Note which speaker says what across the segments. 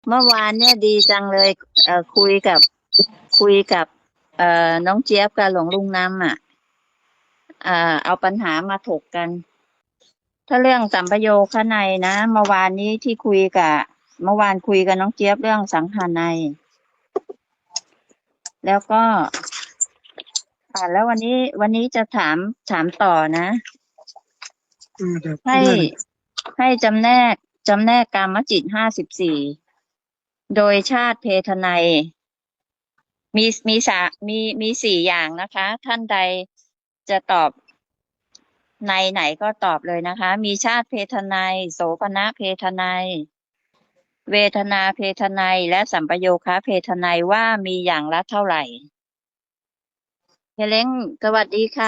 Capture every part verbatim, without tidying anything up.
Speaker 1: เมื่อวานเนี่ยดีจังเลยเอ่อคุยกับคุยกับเอ่อน้องเจี๊ยบกับหลวงลุงน้ำอ่ะเอ่อเอาปัญหามาถกกัน ถ้าเรื่องสัมปโยคในยนะเมื่อวานนี้ที่คุยกับเมื่อวานคุยกับน้องเจี๊ยบเรื่องสังหาในยแล้วก็อ่าแล้ววันนี้วันนี้จะถามถามต่อนะ
Speaker 2: อืมครับ
Speaker 1: ให้
Speaker 2: ได้เลย
Speaker 1: ให้จำแนกจำแนกกามจิตห้าสิบสี่โดยชาติเพทนัยมีมีสามีมีสี่อย่างนะคะ ท่านใดจะตอบในไหนก็ตอบเลยนะคะ มีชาติเพทนัยโสภณเพทนัยเวทนาเพทนัยและสัมปโยคะเพทนัยว่ามีอย่างละเท่าไหร่เฮเล้งสวัสดีค่ะ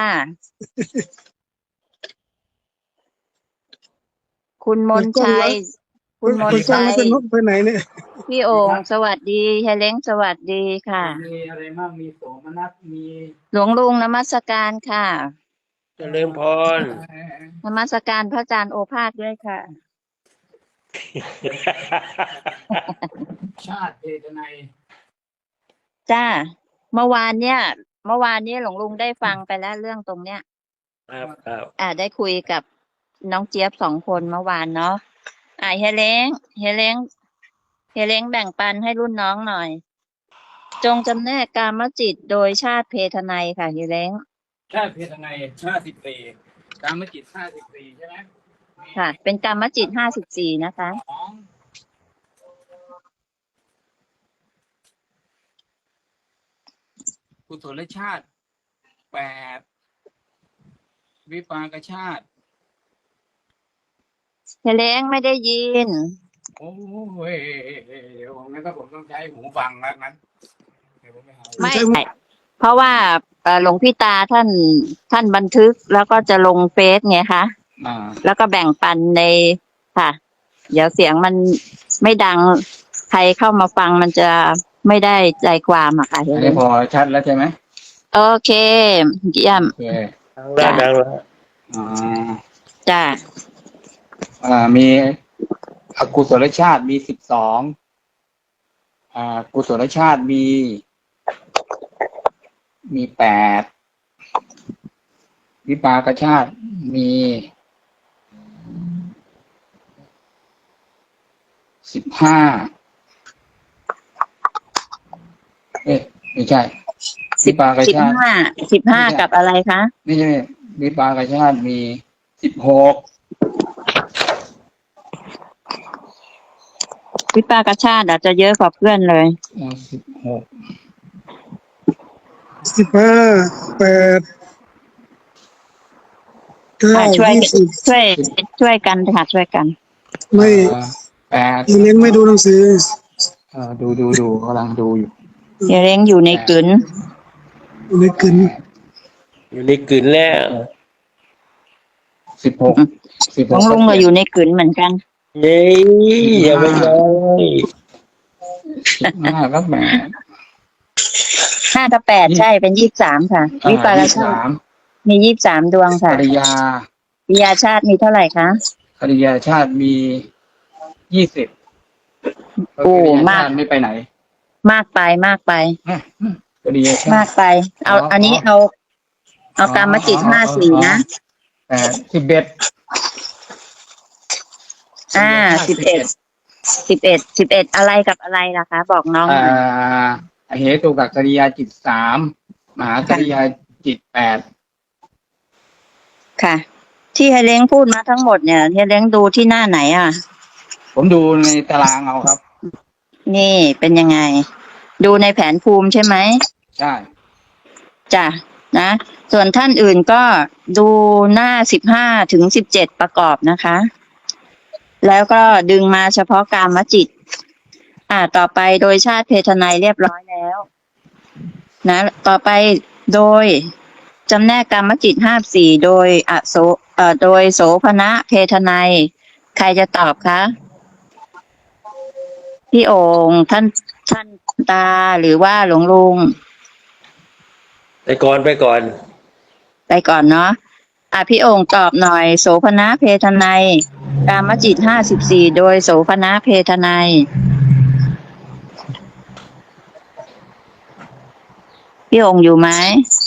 Speaker 1: คุณมน
Speaker 2: เปิดกล้อง
Speaker 1: ชัย
Speaker 2: แล้ว
Speaker 1: คุณมน
Speaker 2: เปิดกล้อง
Speaker 1: ชัย
Speaker 2: แล้วเป็นนกไปไหนเนี่ย
Speaker 1: พี่โองค์สวัสดีเฮเล้งสวัสดีค่ะ
Speaker 3: มีอะไรบ้างมีโสมนัสมี
Speaker 1: หลวงลุงนมัสการค่ะ
Speaker 4: เจริญพร
Speaker 1: นมัสการพระอาจารย์โอภาสด้วยค่ะ
Speaker 3: ชาติเพทนัย
Speaker 1: จ้า เมื่อวานเนี่ย เมื่อวานเนี้หลวงลุงได้ฟังไปแล้วเรื่องตรงเนี้ย
Speaker 4: ครับครับ
Speaker 1: อ่าได้คุยกับน้องเจี๊ยบสองคนเมื่อวานเนาะอ่าเฮเล้งเฮเล้งเฮเล้งแบ่งปันให้รุ่นน้องหน่อย จงจำแนกกามจิตโดยชาติเพทนัยค่ะเฮเล้ง
Speaker 3: ชาติเพทนัยห้าสิบสี่กามจิตห้าสิบสี่ใช่ไหมมี
Speaker 1: ค่ะ เป็นกามจิตห้าสิบสี่นะคะ
Speaker 3: สองกุศลชาติแปดวิปากชาติ
Speaker 1: เฮเล้งไม่ได้ยิน
Speaker 3: โอ้ยเดี๋ยวงั้นก็ผมต้องใช้หูฟังแล้วงั้นเดี๋ยวผมไปหา
Speaker 1: ไม่ใช่เพราะว่าเอ่อหลวงพี่ตาท่านท่านบันทึกแล้วก็จะลงเฟซไงคะ
Speaker 3: อ่า
Speaker 1: แล้วก็แบ่งปันในค่ะ เดี๋ยวเสียงมันไม่ดังใครเข้ามาฟังมันจะไม่ได้ใจความอะค่ะเฮ
Speaker 3: อัน
Speaker 1: เล้
Speaker 3: นี้
Speaker 1: ง
Speaker 3: พอชัดแล้วใช่ไหม
Speaker 1: โอเคเยี่ยม
Speaker 3: โอเค
Speaker 4: ดังแล้วดังแล้ว
Speaker 3: อ่า
Speaker 1: จ้า
Speaker 3: อ่ามีอกุศลชาติมีสิบสองอ่ากุศลชาติมี มีแปดวิปากชาติมีสิบห้าเอ๊ะไม่ใช่
Speaker 1: สิ
Speaker 3: วิ
Speaker 1: บ
Speaker 3: ปาก
Speaker 1: สิบ
Speaker 3: ชาติ
Speaker 1: ห้าสิบห้ากับอะไรคะ
Speaker 3: ไม่ใช่วิปากชาติมีสิบหก
Speaker 1: วิปากชาติอาจจะเยอะกว่าเพื่อนเลย
Speaker 3: สิบหก
Speaker 2: สิบห้าแปดเก้า
Speaker 1: อ่ะช่วย
Speaker 2: ยี่สิบ
Speaker 1: ช่วยช่วยกันค่ะช่วยกัน
Speaker 2: ไม่
Speaker 3: แปด
Speaker 2: เลี้ยงไม่ดูหนังสือ
Speaker 3: เออดูดูดูกำลังดูอยู่
Speaker 1: เฮเล้งอยู่ในกลืน
Speaker 2: อยู่ในกลืน
Speaker 4: อยู่ในกลืนแล้ว
Speaker 3: สิบหกสิบ
Speaker 1: ข
Speaker 3: ห
Speaker 1: อก งลุงก็อยู่ในกลืนเหมือนกัน
Speaker 4: เย้อย่าไปเลย
Speaker 3: สิบห้าก็แปด
Speaker 1: ห้ากับแปดใช่เป็นยี่สิบสามค่ะ วิปาก
Speaker 3: ยี่สิบ
Speaker 1: ชา
Speaker 3: สา
Speaker 1: ติ
Speaker 3: ม
Speaker 1: มียี่สิบสามดวง
Speaker 3: ป
Speaker 1: ค่ะ
Speaker 3: ริยา
Speaker 1: วิยาชาติมีเท่าไหร่คะ
Speaker 3: ปริยาชาติมียี่สิบ
Speaker 1: โอ้
Speaker 3: ปริย
Speaker 1: มาก
Speaker 3: ชติไม่ไปไหน
Speaker 1: มากไปมากไป
Speaker 3: ปริยาชาม
Speaker 1: าก
Speaker 3: ติ
Speaker 1: ไป เอา
Speaker 3: อ๋ออั
Speaker 1: อันนี้เอา เอากรรมจิต
Speaker 3: อ๋อ
Speaker 1: ห้าสี่นะ
Speaker 3: แปดสิบเอ็ด
Speaker 1: อ่าสิบเอ็ดสิบเอ็ดสิบเอ็ดอะไรกับอะไรล่ะคะ บอกน้องห
Speaker 3: อ่
Speaker 1: น่อย
Speaker 3: าเหตุกับกริยาจิตสามมหากริยาจิตแปด
Speaker 1: ค่ะ ที่เฮเล้งพูดมาทั้งหมดเนี่ยเฮเล้งดูที่หน้าไหนอ่ะ
Speaker 3: ผมดูในตารางเอาครับ
Speaker 1: นี่เป็นยังไง ดูในแผนภูมิใช่ไหม
Speaker 3: ใช่
Speaker 1: จ้ะนะ ส่วนท่านอื่นก็ดูหน้าสิบห้าถึงสิบเจ็ดประกอบนะคะ แล้วก็ดึงมาเฉพาะกามจิต อ่า ต่อไปโดยชาติเพทนัยเรียบร้อยแล้ว นะ ต่อไปโดยจำแนกกามจิตห้าสี่โดยอโสเอ่อโดยโสภณะเพทนัย ใครจะตอบคะ พี่โองค์ท่านท่านตาหรือว่าหลวงลุง
Speaker 4: ไปก่อนไปก่อน
Speaker 1: ไปก่อนเนาะ อ่ะพี่โองค์ตอบหน่อย โสภณะเพทนัย กามจิตห้าสิบสี่โดยโสภณะเพทนัยพี่องค์อยู่ไหม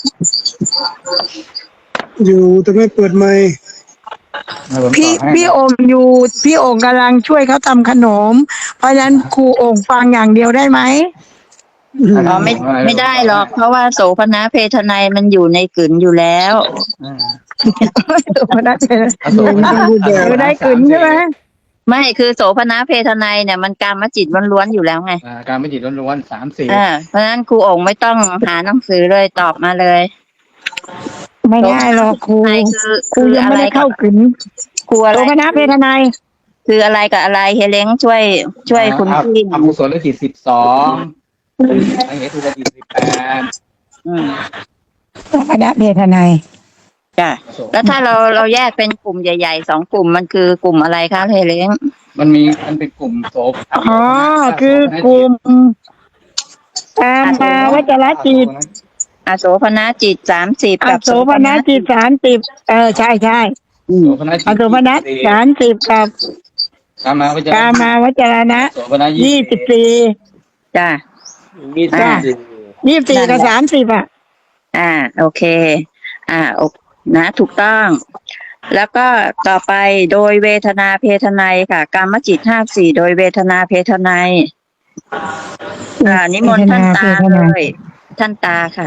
Speaker 2: อยู่แต่ไม่เปิดไมค์
Speaker 3: ให้ผม
Speaker 5: พี่
Speaker 3: ตอบให้
Speaker 5: พี่โองค์อยู่พี่โองค์กำลังช่วยเขาทำขนม เพราะฉะนั้นครูโองค์ฟังอย่างเดียวได้ไหม
Speaker 1: อ๋อไม่ไม่ได้หรอก เพราะว่าโสภณเพทนัยมันอยู่ในกลืนอยู่แล้ว
Speaker 3: อ่า
Speaker 5: ตัวนักเรียน
Speaker 3: อโศกนะ
Speaker 5: อยู่ได้กลืนใช่ไหม
Speaker 1: ไม่คือโสภณเพทนัยเนี่ยมันกามจิตล้วนๆอยู่แล้วไง
Speaker 3: อ่าการไม่จิตล้วนๆสามสี่
Speaker 1: อ่าเพราะฉะนั้นครูองค์ไม่ต้องหาหนังสือเลยตอบมาเลย
Speaker 5: ไม่ได้หรอกครู
Speaker 1: ใช่คือ
Speaker 5: ครู
Speaker 1: คือ
Speaker 5: ยัง
Speaker 1: อะ
Speaker 5: ไม่
Speaker 1: ไร
Speaker 5: ได้
Speaker 1: กั
Speaker 5: เข้า
Speaker 1: บ
Speaker 5: กลืน
Speaker 1: ครูอะไร
Speaker 5: ตัวคณะเพทนาย
Speaker 1: คืออะไรกับอะไรเฮเลงช่วยช่วยคุณ
Speaker 3: อ่า
Speaker 1: พี่
Speaker 3: อกุศลจิตสิบสองอเหตุจิตสิบแปด
Speaker 1: อืม
Speaker 5: ตัวคณะเพทนาย
Speaker 1: จ้ะแล้วถ้าเราเราแยกเป็นกลุ่มใหญ่ๆสองกลุ่มมันคือกลุ่มอะไรคะเฮเลง
Speaker 3: มันมีมันเป็นกลุ่มโสภ
Speaker 5: อ๋อคือกลุ่มตามมาวัจรจิต
Speaker 1: อโสภณจิตสามสิบ
Speaker 5: อ
Speaker 1: กับ
Speaker 5: โสภณจิตสามสิบเออใช่ใช่
Speaker 3: โสภณจิต
Speaker 5: อโสภณสามสิบกับ
Speaker 3: กามาวิจาร
Speaker 5: กามาวัจรณะ
Speaker 3: โสภณ
Speaker 5: ยี่สิบสี่
Speaker 1: จ้ะ
Speaker 4: ยี่สิบสี่
Speaker 5: ยี่สิบสี่กับสามสิบอ่ะ
Speaker 1: อ่าโอเค อ่าโอนะถูกต้อง แล้วก็ต่อไปโดยเวทนาเพทนัยค่ะกามจิตห้าสี่โดยเวทนาเพทนัยอ่านิมนต์ท่านตาเลย ท่านตาค่ะ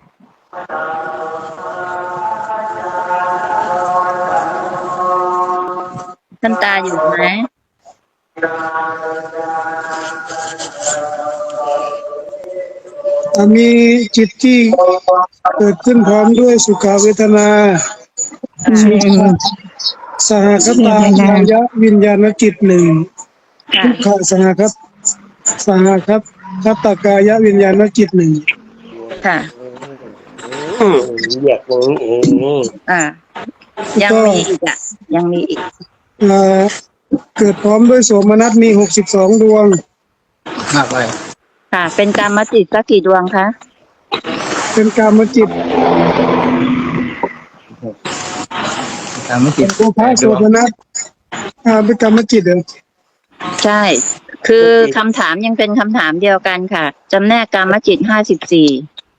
Speaker 1: ท่านตาอยู่ไหม
Speaker 2: อ่ะมีจิตที่เกิดขึ้นพร้อมด้วยสุขเวทนาสหคตากายะวิญญาณจิตหนึ่ง
Speaker 1: ค่ะ
Speaker 2: ทุกขสหครับสหครับคัตตากายะวิญญาณจิตหนึ่ง
Speaker 1: ค่ะ
Speaker 4: อืมอยากรู้เอง
Speaker 1: อ่า ยังมีอีกอ่ะ ยังมีอีก
Speaker 2: อ่าเกิดพร้อมด้วยโสมนัสมีหกสิบสองดวง
Speaker 3: มากไป
Speaker 1: ค่ะ เป็นกามจิตสักกี่ดวงคะ
Speaker 2: เป็นกามจิต
Speaker 3: กามจิต
Speaker 2: โอภาโสมนัสอ่าเป็นกามจิตเหรอ
Speaker 1: ใช่ คือคำถามยังเป็นคำถามเดียวกันค่ะ จำแนกกามจิตห้าสิบสี่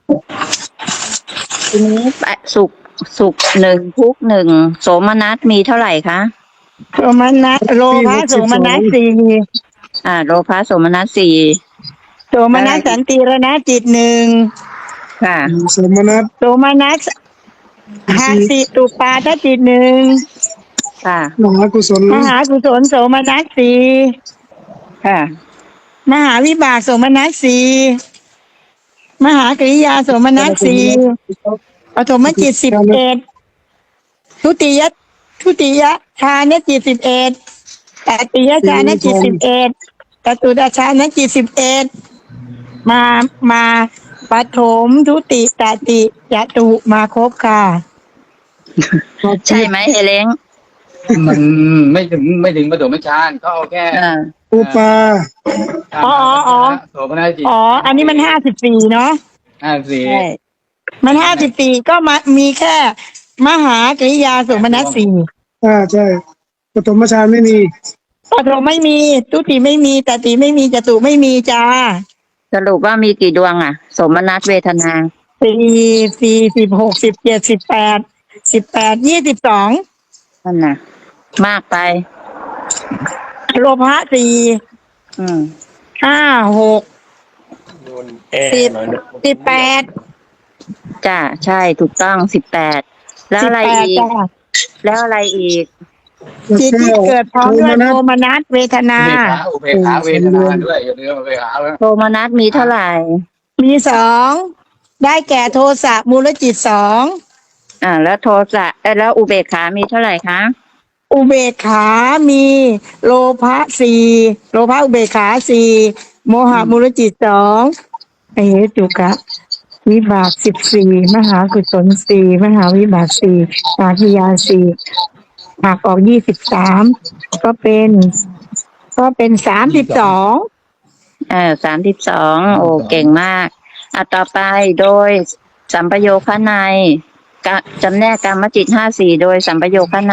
Speaker 1: ทีนี้สุขสุขหนึ่งทุกข์หนึ่งโสมนัสมีเท่าไหร่คะ
Speaker 5: โสมนัสโลภะโสมนัสสี่
Speaker 1: อ่า โลภะโสมนัสสี่
Speaker 5: โสมนัสสันติรณจิตหนึ่ง
Speaker 1: ค่ะ
Speaker 2: โสมนัส
Speaker 5: โสมนัสหาสิตุปาทจิตหนึ่ง
Speaker 1: ค่ะ
Speaker 2: มหากุศล
Speaker 5: มหากุศลโสมนัสสี่
Speaker 1: ค่ะ
Speaker 5: มหาวิบากโสมนัสสี่มหากริยาโสมนัสสี่ปฐมจิตสิบเอ็ดทุติยทุติยฌานจิตสิบเอ็ดตติยฌานจิตสิบเอ็ดจตุตฌานจิตสิบเอ็ดมามาปฐมทุติตติยตุมาครบค่ะ
Speaker 1: ใช่ไหมเฮเลง
Speaker 3: มันไม่ถึงไม่ถึงประโดไม่ชานเขาเอาแค่
Speaker 1: อ่า
Speaker 2: อุปา
Speaker 5: อ๋ออ๋อ
Speaker 3: โสภณจิต
Speaker 5: อ๋ออันนี้มันห้าสิบสี่เนาะ
Speaker 3: ห้าสี่
Speaker 1: ใช่
Speaker 5: มันห้าสิบสี่ก็มามีแค่มหากริยาโสมนัสสี่
Speaker 2: อ่าใช่ปฐมฌานไม่มี
Speaker 5: ปฐมไม่มีทุติไม่มีตติไม่มีจตุไม่มีจ้า
Speaker 1: สรุปว่ามีกี่ดวงอ่ะ โสมนัสเวทนา
Speaker 5: สี่สี่สิบหกสิบเจ็ดสิบแปดสิบแปดยี่สิบสอง
Speaker 1: นั่นน่ะ มากไป
Speaker 5: โลภะสี่
Speaker 1: อืม
Speaker 5: ห้าหก
Speaker 4: โดนแอร์
Speaker 5: สิบ
Speaker 4: หน่อยนะ
Speaker 5: สิบแปด
Speaker 1: จ้าใช่ถูกต้องสิบแปดแล้ว
Speaker 5: สิบ
Speaker 1: อะไร
Speaker 5: แปด
Speaker 1: อีก
Speaker 5: จ้า
Speaker 1: แล้วอะไรอีก
Speaker 5: จิตที่เกิดพร้อมด้วยโทมนัสเวทนา
Speaker 3: อุเบกขาอุเบกขาเวทนาด้วยอย่าลืมอุเบกขาแล้ว
Speaker 1: โทมนัสมีเท่าไหร่
Speaker 5: มีสองได้แก่โทสะมูลจิตสอง
Speaker 1: อ่า แล้วโทสะเอ้ยแล้วอุเบกขามีเท่าไหร่คะ
Speaker 5: อุเบกขามีโลภะสี่โลภะอุเบกขาสี่โมหะมูลจิตสองอเหตุกะวิบากสิบสี่มหากุศลสี่มหาวิบากสี่อาคิยาสี่หักออกยี่สิบสามก็เป็น ก็เป็นสามสิบสอง
Speaker 1: เออสามสิบสองโอ้เก่งมากอ่ะต่อไปโดยสัมปโยคะในกะจำแนกกามจิตห้าสี่โดยสัมปโยคะใน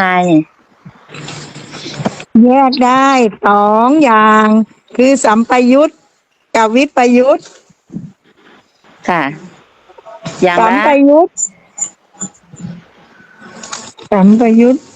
Speaker 5: แยกได้สองอย่าง คือสัมปยุตกับวิปยุต
Speaker 1: ค่ะอย่าง
Speaker 5: สัม
Speaker 1: ละ
Speaker 5: ปยุตสัมปยุต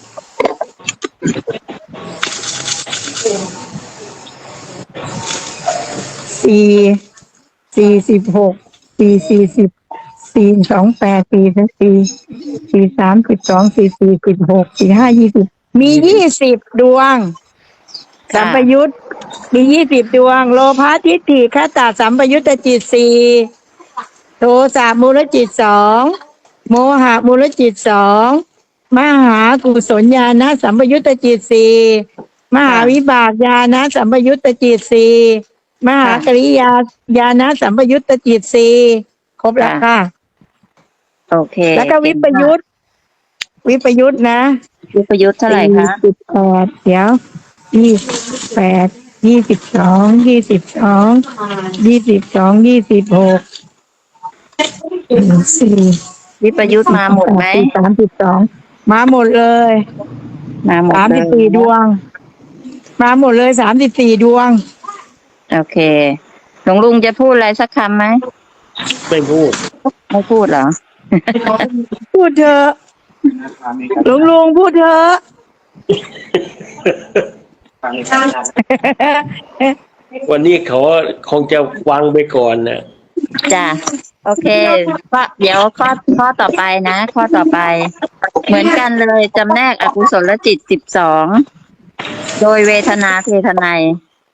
Speaker 5: สี่สี่สิบหกสี่สี่สิบสี่สองแปดสี่สี่สี่สามสิบสองสี่สี่สิบหกสี่ห้ายี่สิบมียี่สิบดวง สัมปยุตมียี่สิบดวง โลภะทิฏฐิคตาสัมปยุตตจิตสี่โทสะมูลจิตสองโมหะมูลจิตสองมหากุศลญาณสัมปยุตตจิตสี่มหาวิบากญาณสัมปยุตตจิตสี่มหากริยาญาณสัมปยุตตจิตสี่ครบแล้วค่ะ
Speaker 1: โอเค
Speaker 5: แล้วก็วิปยุตวิปยุตนะ
Speaker 1: วิปยุทธ์เท่าไหร่คะ
Speaker 5: สิบแปดเดี๋ยวยี่สิบแปดยี่สิบสองยี่สิบสองยี่สิบสองยี่สิบหกสี่
Speaker 1: วิปยุทธ์มาหมดไหม
Speaker 5: สามสิบสองมาหมดเลย
Speaker 1: มาหมด
Speaker 5: สาม
Speaker 1: เล
Speaker 5: สิบ
Speaker 1: ย
Speaker 5: สี่ดวง มาหมดเลยสามสิบสี่ดวง
Speaker 1: โอเคหลวงลุงจะพูดอะไรสักคำไหม
Speaker 4: ไม่พูด
Speaker 1: ไม่พูดเหรอ
Speaker 5: พูดเถอะลุงลุงพูดเถอะ
Speaker 4: วันนี้เขาคงจะวางไปก่อนนะ
Speaker 1: จ้ะโอเคก็เดี๋ยวข้อข้อต่อไปนะ ข้อต่อไป เหมือนกันเลยจำแนกอกุศลจิตสิบสองโดยเวทนาเพทนัย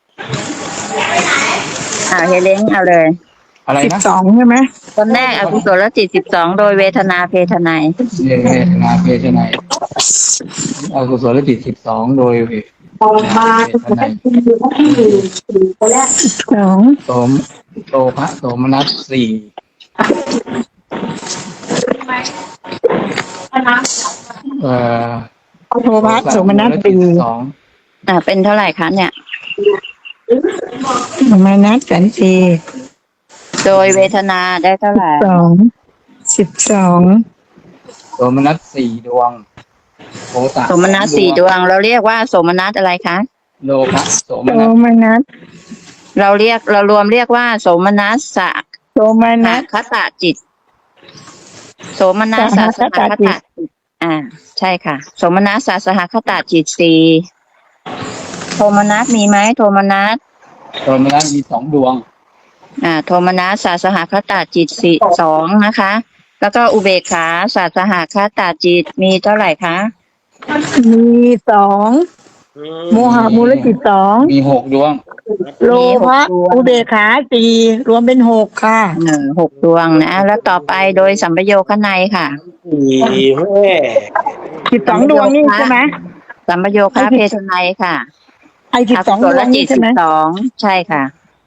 Speaker 1: อ่าเฮเลนเอาเลย
Speaker 3: อะไร
Speaker 5: สิบ
Speaker 3: นะ
Speaker 5: สองใช่ไหม
Speaker 1: จำแนกอกุศลจิตสิบสองโดยเวทนาเพทนัย
Speaker 3: เวทนาเพศไหนอกุศลจิตสิบสองโดยเวทนาเพศไหน
Speaker 5: สอง
Speaker 3: โสมโตภะโสมนัสสี่เอ่อ
Speaker 5: โทพัสสมนัสสี่
Speaker 3: สอง
Speaker 1: อ่าเป็นเท่าไหร่คะเนี่ย
Speaker 5: สมนัสสันติ
Speaker 1: โดยเวทนาได้เท่าไหร่
Speaker 5: สองสิบสอง
Speaker 3: โสมนัสสี่ดวงโภตะ
Speaker 1: โสมนัสสี่ดวง เราเรียกว่าโสมนัสอะไรคะ
Speaker 3: โลภะโสม
Speaker 5: โท
Speaker 3: นัส
Speaker 5: มนัส
Speaker 1: เราเรียกเรารวมเรียกว่าโสมนัสสะ
Speaker 5: โทม
Speaker 1: ห
Speaker 5: นัส
Speaker 1: คตะจิต โสมนัสสะสหคตะจิตอ่า ใช่ค่ะ โสมนัสสะสหคตะจิตสี่โทมนัสมีไหมโทมนัส
Speaker 3: โสมนัสมีสองดวง
Speaker 1: อ่า โทมนัสสะสหคตะจิตสี่สองนะคะ แล้วก็อุเบกขาสะสหคตะจิตมีเท่าไหร่คะ
Speaker 5: มีสองโมหะมูลจิตสอง
Speaker 3: มีหกดวง
Speaker 5: โลภะอุเบกขาสี่รวมเป็นหกค่ะ
Speaker 1: หนึ่งหกดวงนะ แล้วต่อไปโดยสัมปโยคนัยค่ะ
Speaker 4: ดีแม่
Speaker 5: สิบสองดวงนี่ใช่ไหม
Speaker 1: สัมปโยคะเพทนัยค่ะ
Speaker 5: ไอ้สิบสองดวง
Speaker 1: จิ
Speaker 5: นี่
Speaker 1: ต
Speaker 5: ใช่
Speaker 1: สิ
Speaker 5: ไหม
Speaker 1: บสองใช่ค่ะ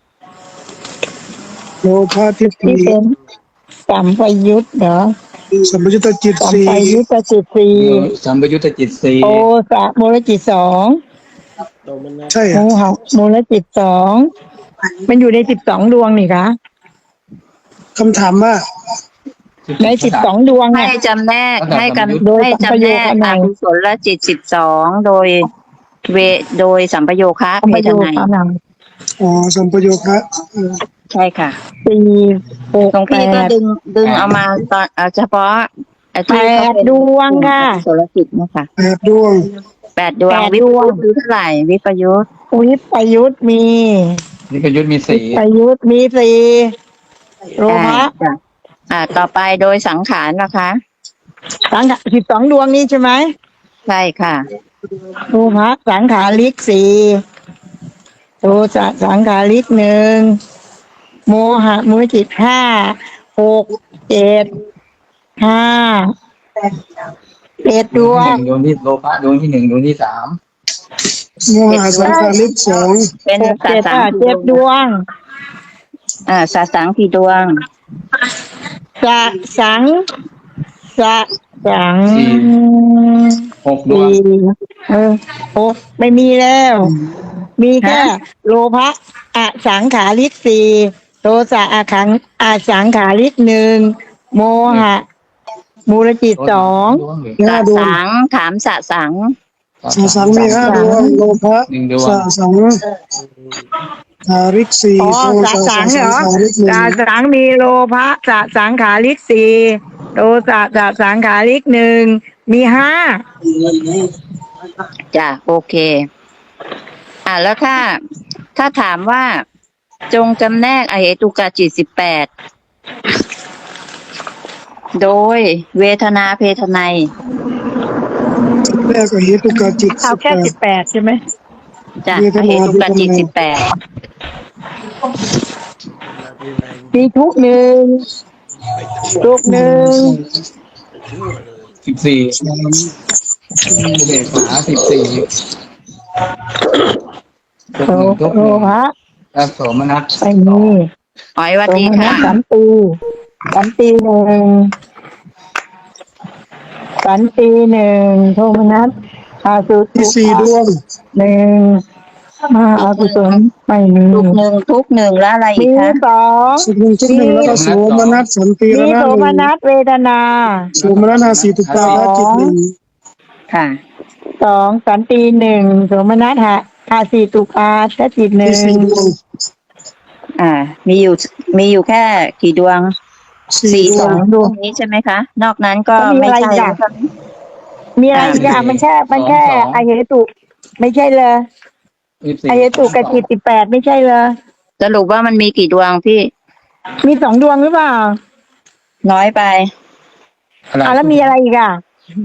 Speaker 2: โลภะทิฏฐิ
Speaker 5: ที่เป็นสัมปยุตเหรอ
Speaker 2: สัมปยุตตจิต
Speaker 5: สัม
Speaker 2: สี่
Speaker 5: ปยุตตจิตสี่
Speaker 3: สัมปยุตตจิตสี่
Speaker 5: โอสะมูลจิตสอง
Speaker 4: โตมันนะ
Speaker 2: ใช่
Speaker 5: โม
Speaker 2: อะ
Speaker 5: หะมูลจิตสองมันอยู่ในสิบสองดวงนี่คะ
Speaker 2: คำถามว่า
Speaker 5: ในสิบสองดวง
Speaker 1: ให้
Speaker 5: เนี่ย
Speaker 1: จำแนกให้กัน
Speaker 5: โดย
Speaker 1: ให้
Speaker 5: สัมป
Speaker 1: จำ
Speaker 5: โย
Speaker 1: แนก
Speaker 5: คะ
Speaker 1: อ
Speaker 5: นัย
Speaker 1: กุศลจิตสิบสองโดยเวโดยสัมปโยคะ
Speaker 5: สัม
Speaker 1: เพ
Speaker 5: ป
Speaker 1: ท
Speaker 5: โย
Speaker 1: นัย
Speaker 5: คะนัย
Speaker 2: อ๋อสัมปโยคะเออ
Speaker 1: ใช่ค่ะ
Speaker 5: สี่หก
Speaker 1: หลวง
Speaker 5: แป
Speaker 1: พี่ก็
Speaker 5: ด
Speaker 1: ดึงดึงเอามาตอนเอาเฉพาะไอ้ที่เขาเป็น
Speaker 5: แปดดวงค่ะ
Speaker 1: อกุศลจิตนะคะ
Speaker 2: แปดดวง
Speaker 1: แปดดวง
Speaker 5: แปด
Speaker 1: วิ
Speaker 5: ด
Speaker 1: ป
Speaker 5: วง
Speaker 1: ยุทธ์คือเท่าไหร่วิปยุทธ์
Speaker 5: วิปยุตมี
Speaker 3: นิพยุทธมี
Speaker 5: วิ
Speaker 3: สี่
Speaker 5: ปยุตมีสี่โลภะ
Speaker 1: อ่าอ่า ต่อไปโดยสังขารนะคะ
Speaker 5: สังขารสิบสองดวงนี้ใช่ไหม
Speaker 1: ใช่ค่ะ
Speaker 5: โลภะสังขาริกสี่โทสะสังขาริกหนึ่งโมหะมูลจิตห้าหกเจ็ดห้าเจ็ดดว
Speaker 3: ห
Speaker 5: ง
Speaker 3: นึ่งดวงที่โลภะดวงที่หนึ่งดวงที่สาม
Speaker 2: โมหะสังขาริกสอง
Speaker 1: เป็น
Speaker 5: หก
Speaker 1: สา
Speaker 5: เจ็ด
Speaker 1: สัง
Speaker 5: อ่ะเจ็ดดวง
Speaker 1: อ่าสาสังกี่ดวง
Speaker 5: สะสังสะสัง
Speaker 3: หกดวง
Speaker 5: สี่เออหกไม่มีแล้ว มีแค่
Speaker 1: ฮะ
Speaker 5: โลภะอสังขาริกสี่โทสะอขังอสังขาริกหนึ่งโมหะ มูลจิตสอง
Speaker 3: ดวงหรือ
Speaker 2: ห้า
Speaker 1: สะ
Speaker 2: ดวง
Speaker 1: สังถามสะสัง
Speaker 2: สาสังมีห้าดวงโลภะ
Speaker 3: หนึ่งดวง
Speaker 2: สาสังสาริกสี่
Speaker 5: อ๋อ
Speaker 2: โท
Speaker 5: สะ
Speaker 2: สา
Speaker 5: สั
Speaker 2: สาง
Speaker 5: เหรอ
Speaker 2: สาริกหนึ่
Speaker 5: สะ
Speaker 2: ง
Speaker 5: สังมีโลภะสะสังขาริกสี่โทสะสะสังขาริกหนึ่งมีห้า
Speaker 1: จ้ะโอเค อ่าแล้วถ้าถ้าถามว่าจงจำแนกอเหตุกจิตสิบแปดโดยเวทนาเพทนัย
Speaker 2: แรกอเหตุกาจิต
Speaker 5: เอา
Speaker 2: สิบ
Speaker 5: แค่
Speaker 2: แป
Speaker 5: สิ
Speaker 2: ด
Speaker 5: บแปดใช่ไหม
Speaker 1: จ้ะ
Speaker 2: เวท
Speaker 1: อ
Speaker 2: นา
Speaker 1: เหตุกจิต
Speaker 2: เพทนัย
Speaker 1: สิบแปด
Speaker 5: มีทุกหนึ่งทุกหนึ่ง
Speaker 3: สิบสี่อุเบกขาสิบสี่ทุก
Speaker 5: โล
Speaker 3: หนึ่งทุก
Speaker 5: โล
Speaker 3: หนึ่ง
Speaker 5: ภะ
Speaker 3: และโสมนัส
Speaker 5: ไม่มี
Speaker 1: อ๋อยหวัด
Speaker 5: โส
Speaker 1: ดี
Speaker 5: มนั
Speaker 1: ค่ะ
Speaker 5: สสันติสันติหนึ่งสันติหนึ่งโทมนัสอาสุ
Speaker 2: ที่สี่ดวง
Speaker 5: หนึ่งมาอากุศลไม่มี
Speaker 1: ทุกหนึ่งทุกหนึ่งแล้วอะไรอี
Speaker 5: มี
Speaker 1: กคะ
Speaker 5: สอง
Speaker 2: สุขหนึ่งทุกหนึ่งแล้วก็โสมนัสสันติ
Speaker 5: มี
Speaker 2: ระนา
Speaker 5: โส
Speaker 2: ห
Speaker 5: ม
Speaker 2: นึ่ง
Speaker 5: นัสเวทนา
Speaker 2: โสมนัสนาสีตุปาละจิตหนึ่ง
Speaker 1: ค่ะ
Speaker 5: สองสันติหนึ่งโสมนัสหะอาสีตุกาชจิตหนึ่
Speaker 2: ที่สี่
Speaker 5: ง
Speaker 2: ดวง
Speaker 1: อ่า มีอยู่มีอยู่แค่กี่ดวง
Speaker 2: สี่
Speaker 1: สี่
Speaker 2: ด
Speaker 1: ส
Speaker 2: ว
Speaker 1: อง งดวงนี้ใช่ไหมคะ นอกนั้นก็
Speaker 5: แล้วมี
Speaker 1: ไม่
Speaker 5: อะไร
Speaker 1: ใช่
Speaker 5: อีกอะ
Speaker 1: แล้วใช่ไหม
Speaker 5: มีอะไรอีกอะมันแค่มันแค่อเหตุไม่ใช่เลย
Speaker 3: ยี่สิบสี่
Speaker 5: อเหตุกับจิตสิบแปดไม่ใช่เลย
Speaker 1: สรุปว่ามันมีกี่ดวงพี่
Speaker 5: มีสองดวงหรือเปล่า
Speaker 1: น้อยไป
Speaker 3: อะไร
Speaker 5: อ่ะแล้วมีอะไรอีกอ่ะ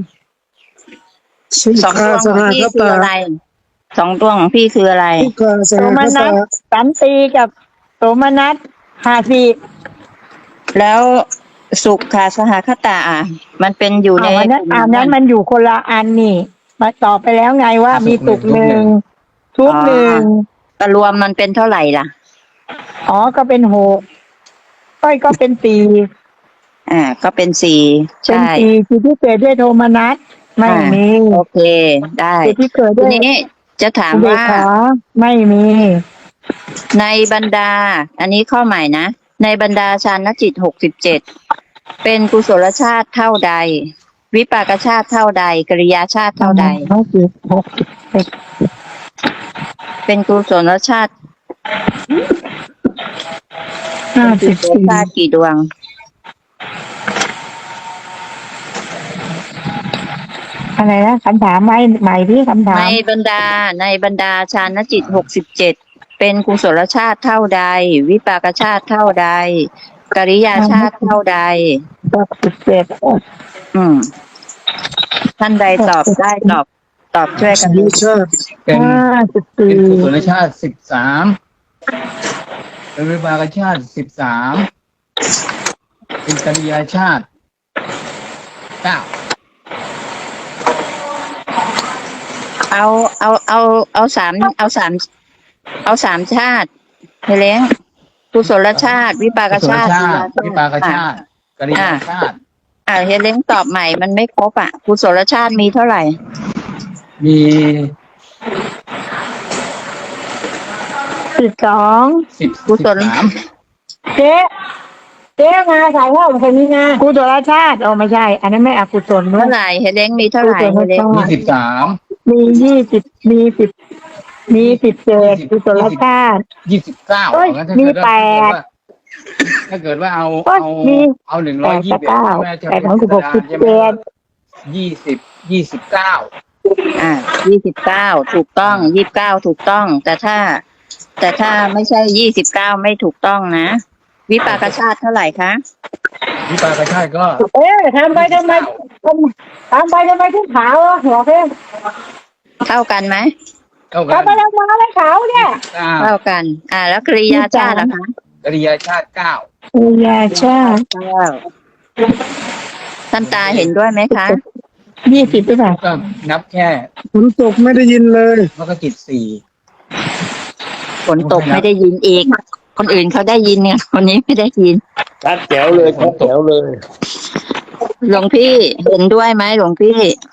Speaker 2: สุ
Speaker 1: สอง
Speaker 2: ขา
Speaker 1: ดวง
Speaker 2: ส
Speaker 1: ของ
Speaker 2: ห
Speaker 1: พี่
Speaker 2: ค
Speaker 1: คือ
Speaker 2: ตา
Speaker 1: อะไร สองดวงของพี่คืออะไร
Speaker 2: สุขาส
Speaker 5: โส
Speaker 2: ห
Speaker 5: ม
Speaker 2: ค
Speaker 5: นั
Speaker 2: ตา
Speaker 5: สสันติกับโสมนัสหาสี
Speaker 1: แล้วสุขค่ะสหคตาอ่ะมันเป็นอยู่ใน
Speaker 5: อ่าวันนั้น
Speaker 1: กลุ่ม
Speaker 5: อ่า
Speaker 1: ไห
Speaker 5: นั้นมันอยู่คนละอันนี่ มาตอบไปแล้วไงว่ามีตุกหนึ่งทุกหนึ่ง
Speaker 1: แต่รวมมันเป็นเท่าไหร่ล่ะ
Speaker 5: อ๋อก็เป็นหกก้อยก็เป็นสี่
Speaker 1: อ่า ก็เป็นสี่
Speaker 5: เป็น
Speaker 1: ใช่
Speaker 5: สี่จิตที่เกิดด้วยโทมนัสไม่มี
Speaker 1: โอเค ได้
Speaker 5: จิตที่เกิด
Speaker 1: ที
Speaker 5: ด้วย
Speaker 1: นี้จะถาม
Speaker 5: อุเบก
Speaker 1: ว่า
Speaker 5: ขาไม่มี
Speaker 1: ในบรรดา อันนี้ข้อใหม่นะ ในบรรดาฌานจิตหกสิบเจ็ดเป็นกุศลชาติเท่าใด วิปากชาติเท่าใดกริยาชาติเท่าใด
Speaker 5: ห้าสิบหกสิบเอ็ด
Speaker 1: เป็นกุศลชาติ
Speaker 5: ห้า
Speaker 1: เป็น
Speaker 5: สิ
Speaker 1: กุ
Speaker 5: บ
Speaker 1: ศล
Speaker 5: สี่
Speaker 1: ชาติกี่ดวง
Speaker 5: อะไรนะคำถามใหม่ใหม่ที่คำถา
Speaker 1: ใน
Speaker 5: ม
Speaker 1: บรรดาในบรรดาฌานจิตหกสิบเจ็ดเป็นกุศลชาติเท่าใด วิปากชาติเท่าใดกริยาชาติเท่าใด
Speaker 5: หกสิบเจ็ด
Speaker 1: อืม ท่านใดตอบได้ตอบ ตอบช่วยกั
Speaker 2: สั
Speaker 1: น
Speaker 2: ญ
Speaker 1: ดู
Speaker 2: ชาติ
Speaker 3: เป็น
Speaker 5: ห้าสิบ
Speaker 3: เป็
Speaker 5: สี่
Speaker 3: นกุศลชาติสิบสามเป็นวิบากชาติสิบสามเป็นกริยาชาติเก้า
Speaker 1: เอาเอาเอาเอาสามเอาสามเอาสามชาติเฮเลงกุศลชาติ วิปาก
Speaker 3: กุศล
Speaker 1: ชาติ
Speaker 3: ชาติวิปากชาติกริยาชาติ
Speaker 1: อ่าเฮเลงตอบใหม่มันไม่ครบอ่ะกุศลชาติมีเท่าไหร่
Speaker 3: มี
Speaker 5: สิบสอง
Speaker 3: สิบ
Speaker 1: กุศล
Speaker 3: สิบสาม
Speaker 5: เจ๊เจ๊มาถ่ายภาพคนนี้นะกุศลชาติโอ้ไม่ใช่ อันนั้นไม่อกุศลด้ว
Speaker 1: เท่าย ไหร่เฮเลงมีเท่า
Speaker 5: กุ
Speaker 1: ไหร่
Speaker 5: ศ
Speaker 1: เฮ
Speaker 5: ล
Speaker 1: เลง
Speaker 5: ชา
Speaker 3: มี
Speaker 5: ติ
Speaker 3: สิบสาม
Speaker 5: มียี่สิบมีสิบมีสิบเจ็ดกุศลชาติ
Speaker 3: ยี่สิบเก้า
Speaker 5: เอ้ย
Speaker 3: งั้นถ้า
Speaker 5: มี
Speaker 3: เกิดว่า
Speaker 5: แปด
Speaker 3: ถ้าเกิดว่าเอา
Speaker 5: เอ้ย
Speaker 3: เอา
Speaker 5: มี
Speaker 3: เอาหนึ่ง
Speaker 5: แป
Speaker 3: ร้อย
Speaker 5: ด
Speaker 3: ยี่
Speaker 5: กั
Speaker 3: สิ
Speaker 5: บบ เก้า
Speaker 3: เอ็ด
Speaker 5: แปดของสิบหกสิบเจ็ด
Speaker 3: ยี่สิบยี่สิบเก้า
Speaker 1: อ่ายี่สิบเก้าถูกต้องยี่สิบเก้าถูกต้อง แต่ถ้า แต่ถ้าไม่ใช่ยี่สิบเก้าไม่ถูกต้องนะ วิปากชาติเท่าไหร่คะ
Speaker 3: วิปากชาติก็
Speaker 5: เอ๊ะทำไปทำไมทำทำไปทำไมถึงขาวอ่ะหัวเพ่ง
Speaker 1: เท่ากันไหม
Speaker 3: เท่ากั
Speaker 5: ทำ
Speaker 3: น
Speaker 5: ไปทำมาเลยขาวเนี่ย
Speaker 3: เก้า
Speaker 1: เท่ากัน อ่า แล้วกริยาชาติล่ะคะ
Speaker 3: กริยาชาติเก้า
Speaker 5: อุยาชาติ
Speaker 1: เก้าท่านตาเห็นด้วยไหมคะ
Speaker 5: ยี่สิบหรือเปล่า
Speaker 3: ก็นับแค่
Speaker 2: ฝนตกไม่ได้ยินเลย
Speaker 3: มันก็จิตสี่
Speaker 1: ฝนตกไม่ได้ยินอีก คนอื่นเขาได้ยินเนี่ยคนนี้ไม่ได้ยิน
Speaker 4: ชัดแจ๋วเลยชัดแจ๋วเลย
Speaker 1: หลวงพี่เห็นด้วยไหมหลวงพี่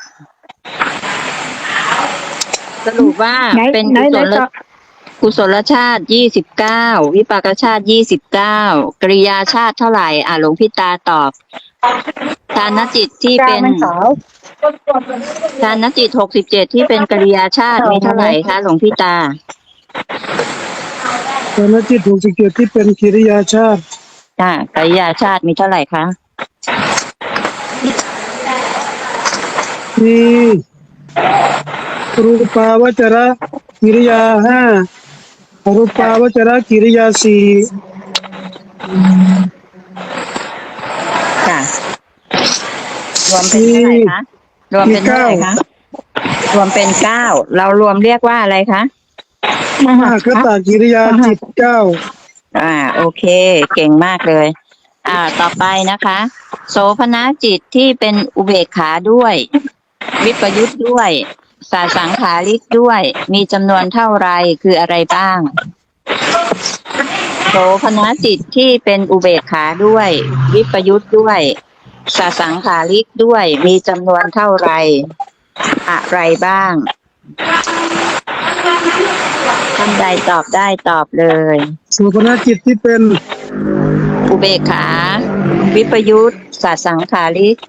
Speaker 1: สรุปว่า
Speaker 5: ไหน
Speaker 1: เป็น
Speaker 5: ไหน
Speaker 1: กุศ
Speaker 5: ไหน
Speaker 1: ล
Speaker 5: ต่อ
Speaker 1: กุศลชาติยี่สิบเก้าวิปากชาติยี่สิบเก้ากริยาชาติเท่าไหร่ อ่าหลวงพี่ตาตอบทานจิตที่
Speaker 5: กา
Speaker 1: เป็
Speaker 5: ร
Speaker 1: น
Speaker 5: มันขาว
Speaker 1: ทานจิตหกสิบเจ็ดที่เป็นกริยาชาติมีเท่าไหร่คะหลวงพี่ตา
Speaker 2: ตอนนั้นจิตหกสิบเจ็ดที่เป็นกิริยาชาติ
Speaker 1: อ่ากิริยาชาติมีเท่าไหร่คะ
Speaker 2: มีรูปาวจระกิริยาห้าอรูปาวจระกิริยาสี่
Speaker 1: ค่ะ รวมเป็นเท่าไหร่คะ รวมเป็นเท่าไหร่คะ รวมเป็นเก้า เรารวมเรียกว่าอะไรคะ
Speaker 5: ม
Speaker 2: ม
Speaker 5: หา
Speaker 2: หาคตากิริยาจิตเก้า
Speaker 1: อ่า โอเค เก่งมากเลย อ่า ต่อไปนะคะ โสภณจิตที่เป็นอุเบกขาด้วย วิปยุทธ์ด้วยสาสังขาริกด้วย มีจำนวนเท่าไรคืออะไรบ้าง โสภณจิตที่เป็นอุเบกขาด้วย วิปยุทธ์ด้วยสาสังขาริกด้วย มีจำนวนเท่าไรอะไรบ้างท่านใดตอบได้ตอบเลย
Speaker 2: โสภณจิตที่เป็น
Speaker 1: อุเบกขา วิปยุทธ์สาสังขาริก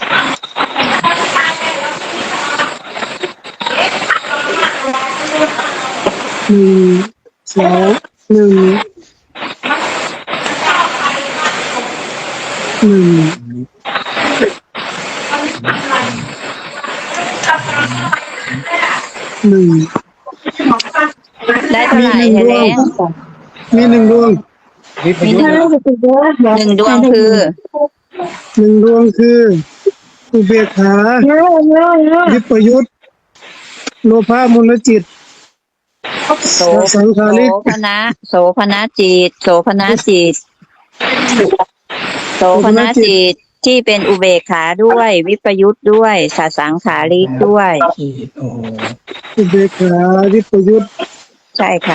Speaker 2: หนึ่งสองหนึ่งหนึ่ง หนึ่ง
Speaker 1: ได้เท่า
Speaker 2: มี
Speaker 1: ไหร่
Speaker 2: หนึ่ง
Speaker 1: เฮ
Speaker 2: ด
Speaker 1: เล
Speaker 2: วง
Speaker 1: น
Speaker 2: มีหนึ่งดวง
Speaker 3: วิป
Speaker 1: มี
Speaker 3: ยุ
Speaker 1: ห
Speaker 3: ท
Speaker 1: นึ่ง
Speaker 3: ธ์
Speaker 1: หนึ่งดวงคือ
Speaker 2: หนึ่งดวงคืออุเบกขาวิปยุทธโลภะมูลจิต
Speaker 1: โส
Speaker 2: สังขาริก
Speaker 1: โสภณะโสภณจิต โสภณจิต โสภณจิตที่เป็นอุเบกขาด้วย วิปยุทธ์ด้วยสาสังขาริกด้วย
Speaker 3: จิตโอ้โห
Speaker 2: อุเบกขาวิปยุทธ
Speaker 1: ใช่ค่ะ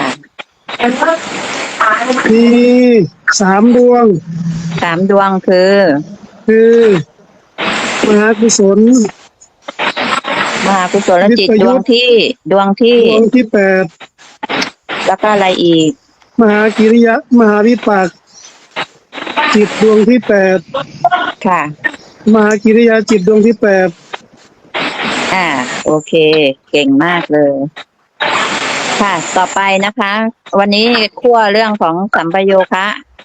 Speaker 2: มีสามดวง
Speaker 1: สามดวงคือ
Speaker 2: คือมหากุศล
Speaker 1: มหากุศลจิต
Speaker 2: วิปยุ
Speaker 1: ด
Speaker 2: ทธ์
Speaker 1: วงที่ดวงที่
Speaker 2: ดวงที่แปด
Speaker 1: แล้วก็อะไรอีก
Speaker 2: มหากิริยะมหาวิปากจิตดวงที่แปด
Speaker 1: ค่ะ
Speaker 2: มหากิริยาจิตดวงที่แปด
Speaker 1: อ่า โอเค เก่งมากเลย ค่ะ ต่อไปนะคะ วันนี้คั่วเรื่องของสัมปโยคะ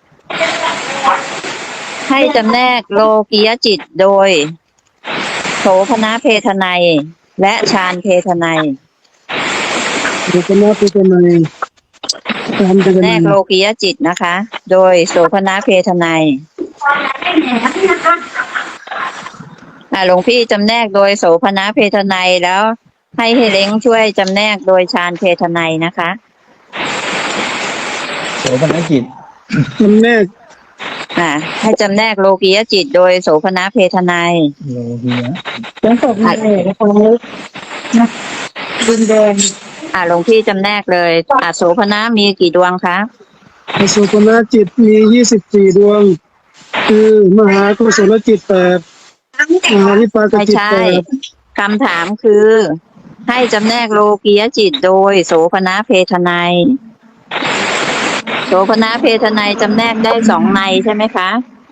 Speaker 1: ให้จำแนกโลกียจิตโดย โสภณเพทนัย และฌานเพทนัย
Speaker 2: บุคลาภเป็นในตามเป็น
Speaker 1: จำแน
Speaker 2: ใน
Speaker 1: กโลกียจิตนะคะ โดยโสภณเพทนัยอ่าหลวงพี่จำแนกโดยโสภณเพทนัยแล้ว ให้เฮเล้งช่วยจำแนกโดยฌานเพทนัยนะคะ
Speaker 3: โสภณจิต
Speaker 2: จำแนก
Speaker 1: อ่า ให้จำแนกโลกียจิตโดยโสภณเพทนัย
Speaker 3: โลกียะ
Speaker 5: ยังตกมาเลยนะคะนะดินแดง
Speaker 1: อ่าหลวงพี่จำแนกเลยอ่าโสภณมีกี่ดวงคะ
Speaker 2: อสุภณจิตมียี่สิบสี่ดวง คือมหากุศลจิตแปดมหาวิปาก
Speaker 1: ไม่
Speaker 2: จิต
Speaker 1: ใช่
Speaker 2: แปด
Speaker 1: คำถามคือ ให้จำแนกโลกียจิตโดยโสภณเพทนัย โสภณเพทนัยจำแนกได้สองในใช่ไหมคะ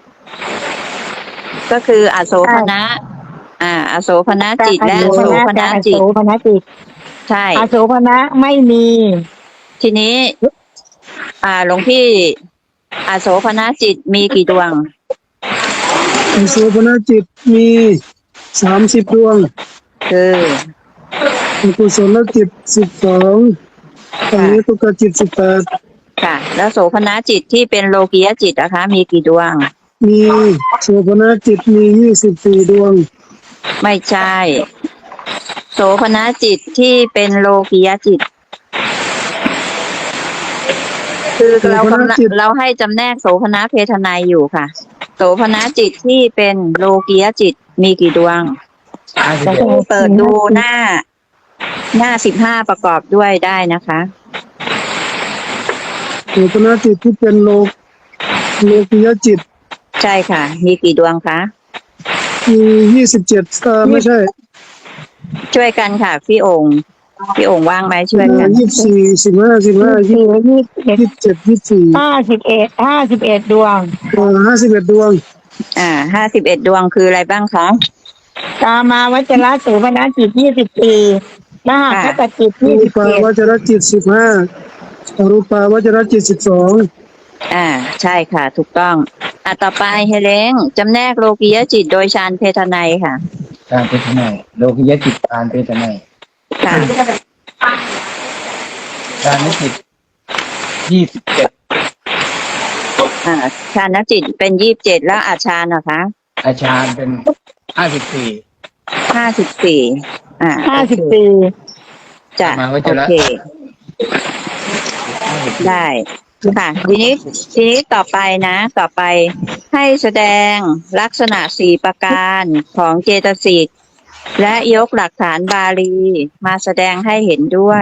Speaker 1: ก็คืออโสภณะอ่า อโสภณจิตและโสภณจิต
Speaker 5: โสภณจิต
Speaker 1: ใช่
Speaker 5: อโสภณะไม่มี
Speaker 1: ทีนี้ อ่าหลวงพี่อโสภณจิตมีกี่ดวง
Speaker 2: อสุภณจิตมีสามสิบดวง
Speaker 1: คือ
Speaker 2: อกุศลจิตสิบสองอนิตุกจิตสิบแปด
Speaker 1: ค่ะ แล้วโสภณจิตที่เป็นโลกียจิตนะคะ มีกี่ดวง
Speaker 2: มีโสุภณจิตมียี่สิบสี่ดวง
Speaker 1: ไม่ใช่ โสภณจิตที่เป็นโลกียจิต คือเรากำลังเราให้จำแนกโสภณเพทนัยอยู่ค่ะ โสภณจิตที่เป็นโลกียจิตมีกี่ดวง
Speaker 3: ห้าสิบ
Speaker 1: จะ
Speaker 3: เอ็ด
Speaker 1: เปิดดูหน้า หน้าสิบห้าประกอบด้วยได้นะคะ
Speaker 2: โสุภณจิตที่เป็นโลกโลกิยจิต
Speaker 1: ใช่ค่ะ มีกี่ดวงคะ
Speaker 2: มียี่สิบเจ็ดเออไม่ใช่
Speaker 1: ช่วยกันค่ะ พี่องค์พี่องค์ว่างไหมช่วยกัน
Speaker 2: ยี่สิบสี่สิบห้าสิบห้ายี่
Speaker 5: สี่ยี่สิบเอ็ด
Speaker 2: สิบเจ็ดยี่สิบสี่
Speaker 5: ห้าสิบเอ็ดห้าสิบเอ็ดดวง
Speaker 2: ห้าสิบเอ็ดดวง
Speaker 1: อ่าห้าสิบเอ็ดดวงคืออะไรบ้างคะ
Speaker 5: กามาวัจระโสภณจิตยี่สิบสี่มหาคตจิต
Speaker 2: รู
Speaker 5: ยี่สิบ
Speaker 2: ปา
Speaker 5: เจ็ด
Speaker 2: วจรจิตสิบห้าอรูปาวจรจิตสิบสอง
Speaker 1: อ่า ใช่ค่ะ ถูกต้อง อ่ะต่อไปเฮเลงจำแนกโลกียจิตโดยฌานเพทนัยค่ะ
Speaker 3: การเพทนัยโลกิยจิตการเพทนัย
Speaker 1: ค่ะ
Speaker 3: การนิจิตยี่สิบเจ็ด
Speaker 1: อ่าฌานจิตเป็นยี่สิบเจ็ดแล้วอาชานนะคะ
Speaker 3: อาชานเป็นห้าสิบสี่
Speaker 1: ห้าสิบสี่อ่า
Speaker 5: ห้าสิบสี่
Speaker 1: จะ
Speaker 3: มาวั
Speaker 1: โอ
Speaker 3: จระ
Speaker 1: เค ได้ ค่ะ ทีนี้ ทีนี้ต่อไปนะ ต่อไปให้แสดงลักษณะสี่ประการของเจตสิก และยกหลักฐานบาลี มาแสดงให้เห็นด้วย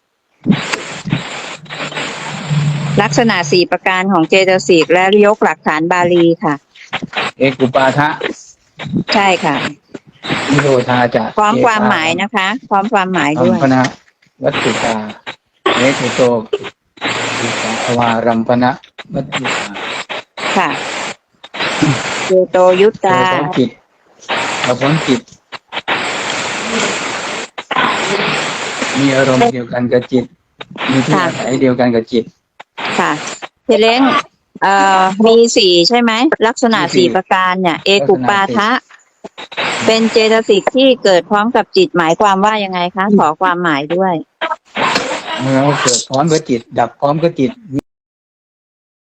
Speaker 1: ลักษณะสี่ประการของเจตสิก และยกหลักฐานบาลีค่ะ
Speaker 3: เอกุปาทะ
Speaker 1: ใช่ค่ะ
Speaker 3: นิโรธาจะ
Speaker 1: พร้อมความหมายนะคะ พร้อมความหมาย
Speaker 3: อั
Speaker 1: ด้
Speaker 3: ม
Speaker 1: วย
Speaker 3: พนะวัตถุตาเนตุโตอิสาภวารัมปนะวัตถุตา
Speaker 1: ค่ะเจโตยุต
Speaker 3: โด
Speaker 1: ตา
Speaker 3: ยพ้นจิตเราพ้นจิต มีอารมณ์เดียวกันกับจิต มีที่
Speaker 1: ค่ะ
Speaker 3: อาศัยเดียวกันกับจิต
Speaker 1: ค่ะเทเล้งเอ่อมีสี่ใช่ไหม ลักษณะ
Speaker 3: มีสี่
Speaker 1: สี่ประการเนี่ย เอกุปา
Speaker 3: ลักษณะสี่
Speaker 1: ทะ เป็นเจตสิกที่เกิดพร้อมกับจิตหมายความว่ายังไงคะ ขอความหมายด้วย
Speaker 3: เมื่อเกิดพร้อมกับจิต ดับพร้อมกับจิต